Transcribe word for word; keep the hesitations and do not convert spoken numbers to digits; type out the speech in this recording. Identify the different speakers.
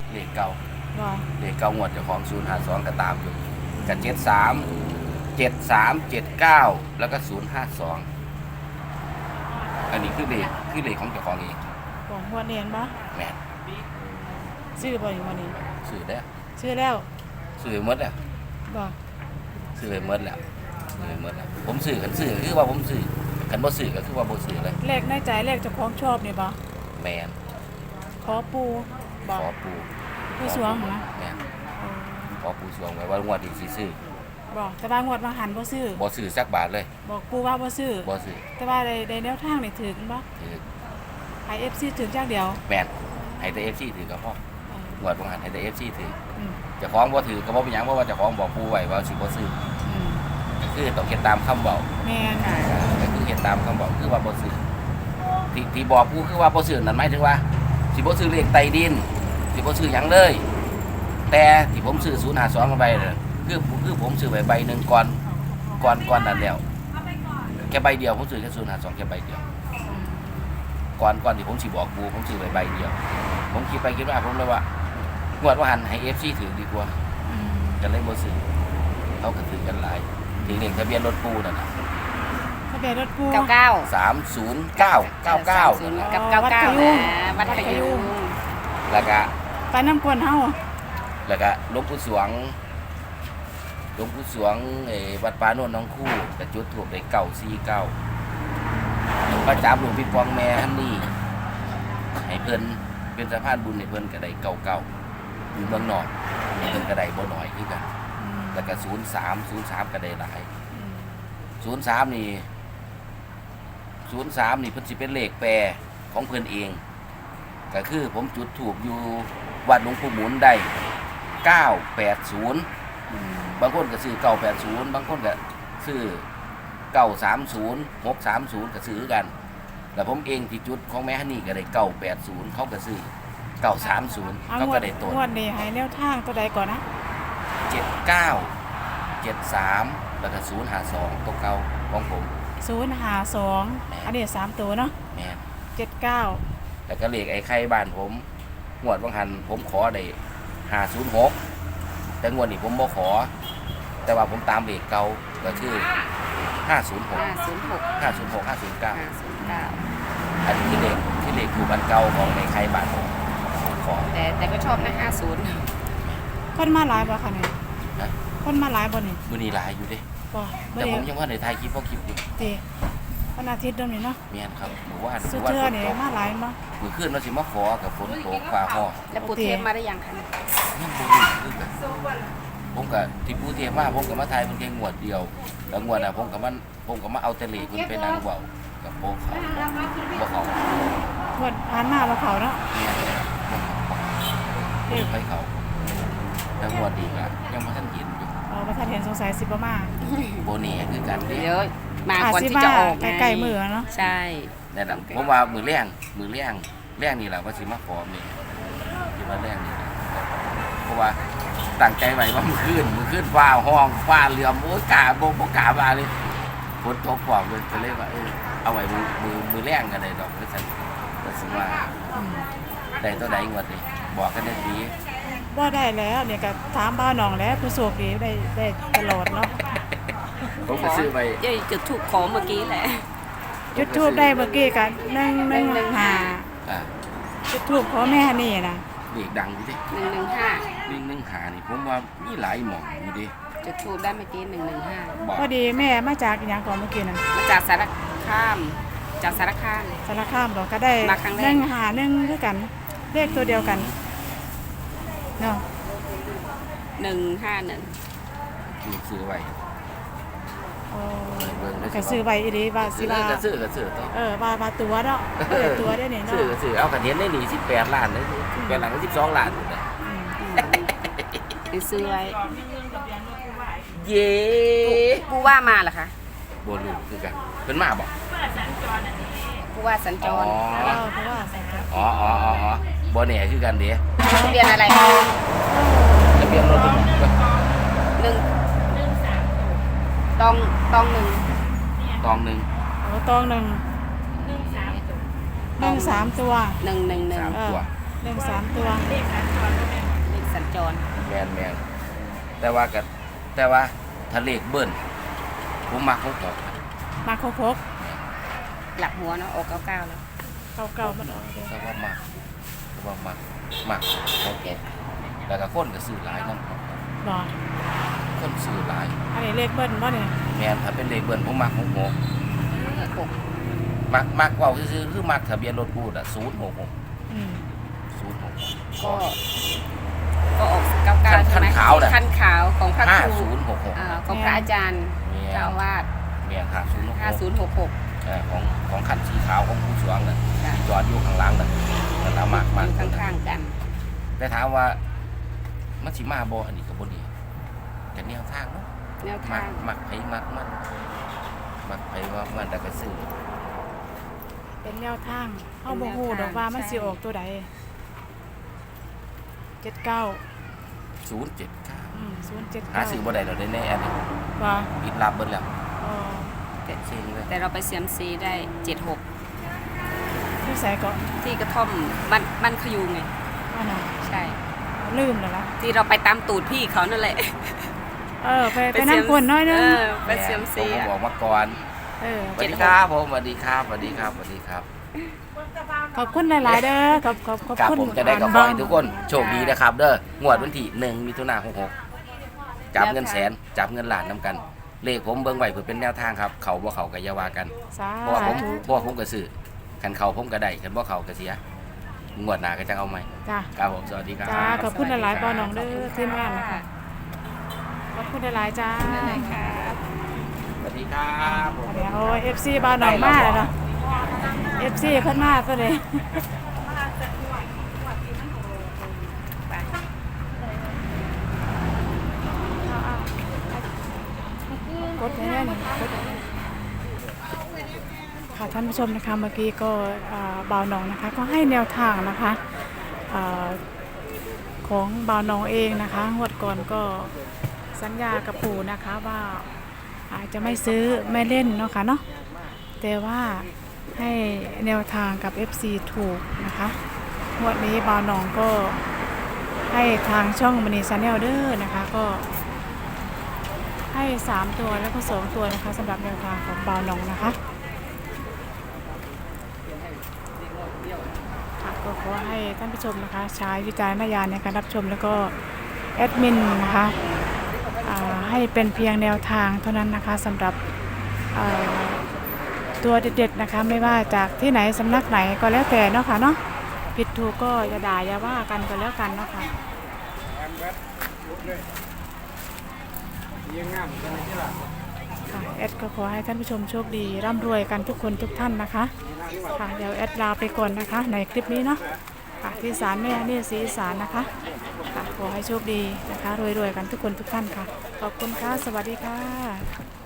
Speaker 1: เลขเก่า
Speaker 2: บ่
Speaker 1: เลขเก่างวดเจ้าของศูนย์ห้าสองก็ตามอยู่กับเจ็ดสามเจ็ดสามเจ็ดเก้าแล้วก็ศูนย์ห้าสองอันนี้คือเลขคือเลขของเจ้าของเอง
Speaker 2: บ่งวดเนียนบ่
Speaker 1: แม่น
Speaker 2: ซื้อบ่อยู่วันนี้
Speaker 1: ซื้อได้ว
Speaker 2: ซื้อแล้ว
Speaker 1: ซื้อหมดแล้ว
Speaker 2: บ่
Speaker 1: ซื้อไปหมดแล้วซื้อไปหมดแล้วผมซื้อกันซื้อคือว่าผมซื้อกันบ่ซื้อก็คือว่าบ่ซื้อเลย
Speaker 2: เลขในใจเลขเจ้าของชอบนี่บ่
Speaker 1: แม่น
Speaker 2: ขอปูบ่
Speaker 1: ขอปู
Speaker 2: ผู้สวงนะ
Speaker 1: แม่น
Speaker 2: เออ
Speaker 1: ขอปูสวงไว้ว่างวดนี้สิซื้อ
Speaker 2: บ่แต่ว่างวดมาหันบ่ซื้อ
Speaker 1: บ่ซื้อสักบาทเลย
Speaker 2: บอกปูว่าบ่ซื้อ
Speaker 1: บ่ซื้อ
Speaker 2: แต่ว่าได้ได้แนวทางนี่ถึงบ่
Speaker 1: ถือ
Speaker 2: ให้ เอฟ ซี ถึงจักเดียว
Speaker 1: แม่นให้แต่ เอฟ ซี ถือก็พอ
Speaker 2: เออง
Speaker 1: วดบ่หันให้แต่ เอฟ ซี ถือ
Speaker 2: อืม
Speaker 1: เจ้าของบ่ถือก็บ่เป็นหยังเพราะว่าเจ้าของบอกปูไว้ว่าสิบ่ซื้อ
Speaker 2: อืม
Speaker 1: ก็คือต้องเฮ็ดตามคำบอก
Speaker 2: แม่น
Speaker 1: ก็คือเฮ็ดตามคำบอกคือว่าบ่ซื้อที่ที่บอกปูคือว่าบ่ซื้อนั่นหมายถึงว่าสิบ่ซื้อเลขใต้ดินสิบ่ซื้อหยังเลย แต่ที่ผมซื้อศูนย์ห้าสองไปเนี่ยคือคือผมซื้อไว้ใบหนึงก่อนก่อนก่อนนั้นแล้วแค่ใบเดียวผมซื้อแค่ศูนย์ห้าสองแค่ใบเดียว
Speaker 2: อืม
Speaker 1: ก่อนก่อนที่ผมสิบอกปูผมซื้อไว้ใบเดียว ผมคิดไปคิดมาผมเลยว่างวดว่าหันให้ เอฟ ซี ถือดีกว่า
Speaker 2: อืม
Speaker 1: จะเลยบ่ซื้อเขาก็ถือกันหลายถือเลขทะเบียนรถปูนั่นน่ะ
Speaker 2: ทะเบียนรถปู
Speaker 3: เก้าเก้า
Speaker 1: สามศูนย์เก้าเก้าเก้า
Speaker 3: ศูนย์
Speaker 1: นั่น
Speaker 3: กั
Speaker 1: น่ะ
Speaker 3: บเก้าเก้า
Speaker 2: วัดขยุง
Speaker 3: นะวัดขยุง
Speaker 1: แล้วก็
Speaker 2: ไปน้ำกวนเฮา
Speaker 1: แล้วก็หลวงปู่สวงหลวงปู่สวงไอ้วัดป่าโนนน้องคู่ก็จุดถูกได้เก้าสี่เก้าพระจับหลวงพี่ปองแม่ฮันนี่ให้เพิ่นเป็นสะพานบุญให้เพิ่นก็ได้เก้าเก้าอยู่เมืองนอกเพิ่นก็ได้บ่น้อยคือกัน
Speaker 2: อืม
Speaker 1: แล้วก็ศูนย์สามศูนย์สามก็ได้หลาย
Speaker 2: อืม
Speaker 1: ศูนย์สามนี่ศูนย์สามนี่เพิ่นสิเป็นเลขแปรของเพิ่นเอง ก็คือผมจุดถูกอยู่วัดหลวงปู่หมุนได้เก้าแปดศูนย์
Speaker 2: อืม
Speaker 1: บางคนก็ซื้อเก้าแปดศูนย์บางคนก็ซื้อเก้าสามศูนย์หกสามศูนย์ก็ซื้อกันแล้วผมเองที่จุดของแม่ฮันนี่ก็ได้เก้าแปดศูนย์เขาก็ซื้อเก้าสามศูนย์
Speaker 2: เอา
Speaker 1: เขา
Speaker 2: งว
Speaker 1: ก็
Speaker 2: ด
Speaker 1: ได้ต้น
Speaker 2: งวดนี้ให้แนวทางตัวใดก่อนนะ
Speaker 1: เจ็ดเก้าเจ็ดสามแล้วก็ศูนย์หาสองตัวเก่าของผม
Speaker 2: ศูนย์ห้าสองอันนี้สามตัวเนาะ
Speaker 1: แม่น
Speaker 2: เจ็ดเก้า
Speaker 1: แล้วก็เลขไอ้ไข่บ้านผมงวดบางหันผมขอได้ห้าศูนย์หกแต่งวดนี้ผมบ่ขอ แต่ว่าผมตามเลขเก่าก็คือห้าศูนย์หก
Speaker 3: ห้าศูนย์หก
Speaker 1: ห้าศูนย์หกห้าศูนย์เก้า
Speaker 3: ห้าศูนย์เก้า
Speaker 1: อันนี้คือเลขที่เลขถูกอันเก่าของในไข่บ้านผมผมขอ
Speaker 3: แต่แต่ก็ชอบนะห้าศูนย์
Speaker 2: คนมาหลายบ่คะเนี่ย
Speaker 1: นะ
Speaker 2: คนมาหลายบ่นี่
Speaker 1: มือนี้หลายอยู่เด้
Speaker 2: บ่
Speaker 1: แต่ผมยังว่าในไทยคลิปเพราะคลิปอยู่
Speaker 2: ตีวันอาทิตย์เดิมนี่เนาะ
Speaker 1: เมียนครับหมู่บ้านห
Speaker 2: สุ
Speaker 1: มู่บ้าน
Speaker 2: เทือ
Speaker 1: ฝน
Speaker 2: นี่
Speaker 1: ตก
Speaker 2: มาหลายบ่
Speaker 1: มือขึ้นเราสิมาขอกับฝนตกฟ้าห้อง
Speaker 3: แล้วปูเทพมาได้ยังคะ
Speaker 1: ยังบ่รู้คือกันผมกับที่ผู้เทียมมาผมกับมาไทยมันแค่งวดเดียวแล้วงวดอ่ะผมกับมันผมกับมาเอาแต่เลขคุณไปนั่งเว้ากับโป๊กเขาบ่เขา
Speaker 2: งวดผ่านมาบ่เขาเนาะ
Speaker 1: เนี่ยบ่เขาบ่ไปเขาแล้วงวดดีก็ยังบ่ทันเห็นอยู่
Speaker 2: เออบ่ทันเห็นสงสัยสิบ่มา
Speaker 1: บ่แน่คือกันเด้
Speaker 3: เดี๋ยวมา
Speaker 2: อาจ
Speaker 3: ก่อน
Speaker 2: สิ
Speaker 3: ที่
Speaker 2: มา
Speaker 3: จะออกไง
Speaker 2: ใกล้ๆมือเนาะ
Speaker 3: ใช่
Speaker 1: นั่นน่ะผมว่ามือแรงมือแรงแรงนี่แหละว่าสิมาขอแม่ที่ว่าแรงนี่แหละเพราะว่าตั้งใจไว้ว่ามือขึ้นมือขึ้นฟ้าห้องฟ้าเหลื่อมโอ้ยกาบ่บ่กล้ามาเลยฝนตกฟ้าเลยก็เลยว่าเออเอาไว้มือมือมือแรงกันได้ดอกก็ซั่นก็สิว่า
Speaker 2: อืม
Speaker 1: ได้ตัวใดงวดนี่บอกกันได้ดี
Speaker 2: บ่ได้แล้วเนี่ยก็ถามบ้าวน้องแล้วผู้โชคดีได้ได้ตลอดเนาะ
Speaker 1: ผมก็ซื้อไป
Speaker 3: เย้ยจุดถูกขอเมื่อกี้แหละ
Speaker 2: จุดทูบได้เมื่อกี้กันหนึ่งหนึ่งห้า
Speaker 1: อ่า
Speaker 2: จุดทูบขอแม่นี่นะ
Speaker 1: เด็กดังอยู่ดิ
Speaker 3: หนึ่งหนึ่งห้า
Speaker 1: วิ่งนึ่งหานี่ผมว่ามีหลายหม่องอยู่ดิ
Speaker 3: จุดถูกได้เมื่อกี้หนึ่งหนึ่งห้า
Speaker 1: บอก
Speaker 2: พอดีแม่มาจากอหย่างก่อนเมื่อกี้นั่น
Speaker 3: มาจากสารคามจากสารคาม
Speaker 2: สารคามเราก็ได้
Speaker 3: มาครั้งแรก
Speaker 2: หนึ่งหาหนึ่งด้วยกันเลขตัวเดียวกันเนาะ
Speaker 3: หนึ่งห้าหนึ่ง
Speaker 1: นี่ซื้อไว้
Speaker 2: โอ้
Speaker 1: เบิ่งได้สิ
Speaker 2: ก็ซื้อไว้อีดีว่าสิ
Speaker 1: ซื้อ
Speaker 2: ว่า
Speaker 1: ก็ซื้อก็ซื้อต่อ
Speaker 2: เออว่าว่าตัวเนาะเออตัวได้เนี่ย
Speaker 1: ซื้อ
Speaker 2: เนาะ
Speaker 1: ก็ซื้อเอากันเห็นได้หนีสิบแปดล้านเลยสิบแปดล้านก็สิบสองล้านอยู่นะ
Speaker 2: อืม
Speaker 3: ไปซื้อไว้
Speaker 1: เย้
Speaker 3: ผู้ว่ามาเหรอคะ
Speaker 1: บลูคือกันเป็นมาบอก
Speaker 3: ผู้ว่าสัญจ
Speaker 1: อ๋อ
Speaker 3: ร
Speaker 2: เออเพราะว่าใส่กระ
Speaker 1: อ๋ออ๋ออ๋ออ๋อบ่แน่คือกันเด้
Speaker 3: ทะเบียนอะไร
Speaker 1: ทะเบียนรถ
Speaker 3: หนึ่งตองตองหนึ่ง
Speaker 1: ตองหนึ่ง
Speaker 2: โอ้ตองหนึ่งหนึ่งสามตัว
Speaker 3: หนึ่งหนึ่งหนึ่ง
Speaker 1: สาม
Speaker 2: เอ
Speaker 1: ตั
Speaker 2: อ
Speaker 1: ว
Speaker 2: หนึ่งสามตัว
Speaker 1: อนแมนแต่ว่ากับแต่ว่าทะเลขเบิ้ลผมมักหกหก
Speaker 2: มาโคกโคก
Speaker 3: หลับหัวเนาะออกเก้าเก้าแล้ว
Speaker 2: เก่าเก่ามันออกเลย
Speaker 1: แต่ว่ามักแต่ว่ามักมักหกหกแล้วก็คนก็ซื้อหลายน้ำ
Speaker 2: บ่
Speaker 1: คนซื้อหลาย
Speaker 2: อันนี้เลขเบิ้ลบ่เนี่ย
Speaker 1: แมนถ้าเป็นเลขเบิ้ลผมมักหกหก
Speaker 3: หก
Speaker 1: มักมักเว่าคือคือมักทะเบียนรถบูดอ่ะศูนย์หกหก
Speaker 2: อืม
Speaker 1: ศูนย์หก
Speaker 3: ก็ก็ออกเก้าเก้าใช่ไหมคันขาวของพระ
Speaker 1: ห้า
Speaker 3: ครู
Speaker 1: ศูนย์หกหก
Speaker 3: อ่าของพระอาจารย์
Speaker 1: แมน
Speaker 3: เจ้าอาวาส
Speaker 1: แมนห้าศูนย์หกห
Speaker 3: ห้าก ศูนย์หกหก
Speaker 1: ของของขันสีขาวของผู้สวงน่ะ
Speaker 3: จ้ะ
Speaker 1: จอดอยู่ข้างหล่างน่ะนั่นละมาก
Speaker 3: อ
Speaker 1: มาก
Speaker 3: ยู่ข้างๆกัน
Speaker 1: แต่ถามว่ามันสิมาบ่อันนี้ก็บ่ดีแต่แนวทางเนาะ
Speaker 3: แนว
Speaker 1: มั
Speaker 3: ทาก ง
Speaker 1: มักไผมักมันมักไผว่ามันแต่ก็ซื้อ
Speaker 2: เป็นแนวทางเฮาบ่ฮู้ดอกว่ามันสิออกตัวใดเจ็ดเก้า
Speaker 1: ศูนย์เจ็ดเก้า
Speaker 2: อืมศูนย์เจ็ด
Speaker 1: หา
Speaker 2: เก้า
Speaker 1: ซื้อบ่ได้แล้วได้แน่อันนี้
Speaker 2: ว่า
Speaker 1: ปิดรับเบิดแล้ว
Speaker 2: อ๋อ
Speaker 1: แต่เซ็งเลย
Speaker 3: แต่เราไปเซียมซีได้เจ็ดหก
Speaker 2: ที่ใส่ก็
Speaker 3: ที่กระท่อมบ้านบ้านขยูงไง
Speaker 2: ว่าน่ะ
Speaker 3: ใช่
Speaker 2: ลืมแล้วล่ะ
Speaker 3: ที่เราไปตามตูดพี่เขานั่นแหละ
Speaker 2: เออไปไปนั่งกวนน้อยนึง
Speaker 3: เออไปเซียมซี
Speaker 1: ผมก็
Speaker 3: อ่ะ
Speaker 1: บอกมาก่อน
Speaker 2: เออ
Speaker 1: สวัสดีครับผมสวัสดีครับสวัสดีครับสวัสดีครับ
Speaker 2: ขอบคุณหลายๆเด้อขอบขอบขอบ
Speaker 1: กับ
Speaker 2: คุณ
Speaker 1: ผมจะได้กับขอให้ทุกคนโชคดีนะครับ เด้องวดวันที่หนึ่งมิถุนายนหกหกจับเงินแสนจับเงินล้านนํกัน เลขผมเบิ่งไว้เพื่อเป็นแนวทางครับ เขาบ่เขาก็อย่าว่ากัน
Speaker 2: สา
Speaker 1: เพราะว่าผม
Speaker 2: ธุ
Speaker 1: เพราะว่าผมก็ซื้อคันเขาผมก็ได้คันบ่เขาก็เสียงวดหน้าก็จะเอาใหม่
Speaker 2: จ้า
Speaker 1: ครับผมสวัสดีครับ
Speaker 2: จ้าขอบคุณหลายๆปอน้องเด้อทีมงานนะคะขอบคุณหลายๆจ้า
Speaker 3: นั่นเลยครับ
Speaker 1: สวัสดีครับผม
Speaker 2: เดี๋ยวโอ้เอฟซีบ้านหนองมาแล้วเนาะเอฟซีเพิ่นมาซะเลย
Speaker 3: ไป
Speaker 2: กดแน่ๆนี่กดค่ะท่านผู้ชมนะคะเมื่อกี้ก็อ่าบ่าวหนองนะคะก็ให้แนวทางนะคะอ่าของบ่าวหนองเองนะคะงวดก่อนก็สัญญากับปู่นะคะว่าอาจจะไม่ซื้อไม่เล่นเนาะค่ะเนาะแต่ว่าให้แนวทางกับ เอฟ ซี ถูกนะคะงวดนี้บ่าวหนองก็ให้ทางช่องมณีชาแนลเด้อนะคะก็ให้สามตัวแล้วก็สองตัวนะคะสำหรับแนวทางของบ่าวหนองนะคะค่ะก็ขอให้ท่านผู้ชมนะคะใช้วิจารณญาณในการรับชมแล้วก็แอดมินนะคะอ่าให้เป็นเพียงแนวทางเท่านั้นนะคะสำหรับอ่าตัวเด็ดๆนะคะไม่ว่าจากที่ไหนสำนักไหนก็แล้วแต่เนาะค่ะเนาะผิดถูกก็อย่าด่าอย่าว่ากันก็แล้วกันเนาะค่ะค่ะแอดก็ขอให้ท่านผู้ชมโชคดีร่ำรวยกันทุกคนทุกท่านนะคะค่ะเดี๋ยวแอดลาไปก่อนนะคะในคลิปนี้เนาะค่ะที่ศาลแม่นี่ศรีอีสานนะคะค่ะขอให้โชคดีนะคะรวยๆกันทุกคนทุกท่านค่ะขอบคุณค่ะสวัสดีค่ะ